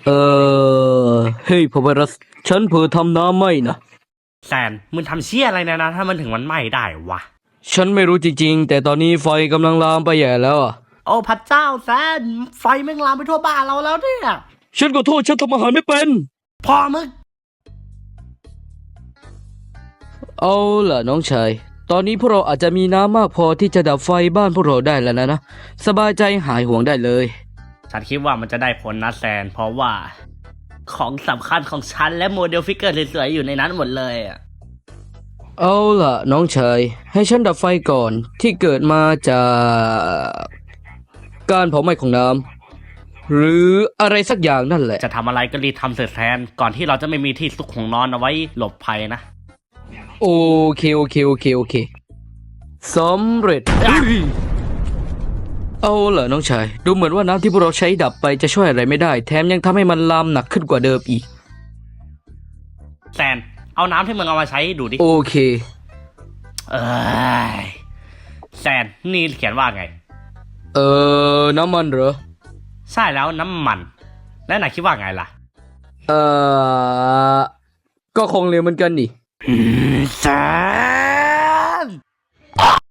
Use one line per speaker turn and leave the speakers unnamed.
เอเฮ้ยพอไวรัสฉันเผลอทำน้ำไหม้นะ
แซนมึงทำเชี่ยอะไรนะถ้ามันถึงมันไหม้ได้วะ
ฉันไม่รู้จริงๆแต่ตอนนี้ไฟกำลังลามไปใหญ่แล้วอ่ะ
โอ้พระเจ้าแซนไฟแม่งลามไปทั่วบ้านเราแล้วเนี่ย
ฉันขอโทษฉันทำอาหารไม่เป็น
พอมึง
เอาล่ะน้องชายตอนนี้พวกเราอาจจะมีน้ำมากพอที่จะดับไฟบ้านพวกเราได้แล้วนะสบายใจหายห่วงได้เลย
ฉันคิดว่ามันจะได้ผลนะแซนเพราะว่าของสำคัญของฉันและโมเดลฟิกเกอร์สวยๆอยู่ในนั้นหมดเลยอ่ะ
เอาล่ะน้องชายให้ฉันดับไฟก่อนที่เกิดมาจากการเผาไหม้ของน้ำหรืออะไรสักอย่างนั่นแหละ
จะทำอะไรก็รีบทำเสร็จแซนก่อนที่เราจะไม่มีที่ซุกของนอนเอาไว้หลบภัยนะ
โอเคสำเร็จเอาล่ะน้องชายดูเหมือนว่าน้ำที่พวกเราใช้ดับไปจะช่วยอะไรไม่ได้แถมยังทำให้มันลามหนักขึ้นกว่าเดิมอีก
แซนเอาน้ำที่มึงเอามาใช้ดูดิ
โอเค
เอ้ยแซนนี่เขียนว่าไง
น้ำมันเหรอ
ใช่แล้วน้ำมันแล้วนายคิดว่าไงล่ะ
เอ่อก็คงเร็วเหมือนกันนี่
แซน